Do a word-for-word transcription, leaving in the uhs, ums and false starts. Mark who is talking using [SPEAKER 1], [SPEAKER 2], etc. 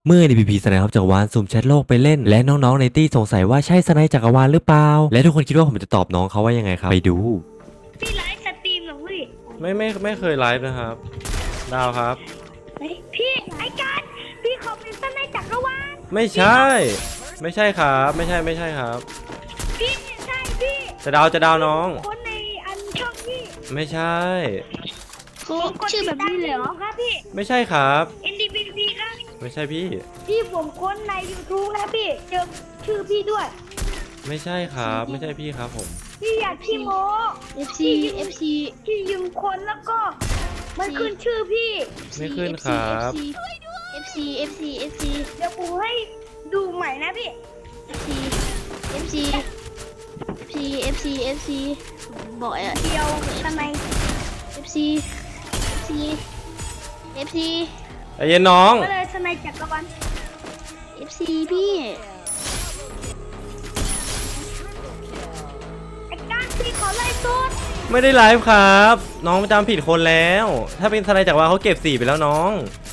[SPEAKER 1] เมื่อ ดี พี พี สไนป์จักรวาลสุ่มแชทโลกไปเล่นและน้องๆในตี้สงสัยว่าใช่สไนป์จักรวาลหรือเปล่าและทุกคนคิดว่าผมจะตอบน้องเขาว่ายังไงครับไปดู
[SPEAKER 2] พี่ไลฟ์สตรีมเหรอพี่
[SPEAKER 3] ไม่ไม่ไม่เคยไลฟ์นะครับดาวครับ
[SPEAKER 2] เฮ้ยพี่ไอ้การพี่ขอเป็นต้นในจักรวาล
[SPEAKER 3] ไม่ใช่ ไม่ใช่ครับไม่ใช่ไม่ใช่ครับ
[SPEAKER 2] พี่เนี่ยใช่พี่
[SPEAKER 3] จะดาวจะดาวน้อง
[SPEAKER 2] คนในอันช่องพี่
[SPEAKER 3] ไม่ใช่
[SPEAKER 2] ผมกด
[SPEAKER 4] ชื่อแบบนี้เลยเหรอ
[SPEAKER 2] ครับพี่
[SPEAKER 3] ไม่ใช่ครับ
[SPEAKER 2] เอ็น ดี พี พี ครับ
[SPEAKER 3] ไม่ใช่พี่
[SPEAKER 2] พี่ผมค้นใน YouTube แล้วพี่เจอชื่อพี่ด้วย
[SPEAKER 3] ไม่ใช่ครับ ไม่ใช่พี่ครับผม
[SPEAKER 2] พี่อยากพี่โม
[SPEAKER 4] เอฟ ซี เอฟ ซี
[SPEAKER 2] พี่ยืมคนแล้วก็มันขึ้นชื่อพี่
[SPEAKER 3] ไม่ขึ้นครับ
[SPEAKER 4] เอฟ ซี เอฟ ซี เอฟ ซี
[SPEAKER 2] เดี๋ยวผมให้ดูใหม่นะพี่
[SPEAKER 4] เอฟ ซี เอฟ ซี เอฟ ซี เอฟ ซี บอกอ่ะ
[SPEAKER 2] เดียวทำไม
[SPEAKER 4] เอฟ ซี เอฟ ซี เอฟ ซี
[SPEAKER 3] ใจเย็นน้อง
[SPEAKER 2] ก็เลยทนายจักรวาล
[SPEAKER 4] เอฟ ซี พี่
[SPEAKER 2] ไอ้การพี่ขอไล่สุด
[SPEAKER 3] ไม่ได้ไลฟ์ครับ น้องจำผิดคนแล้ว ถ้าเป็นทนายจักรวาลเขาเก็บสี่ไปแล้วน้อง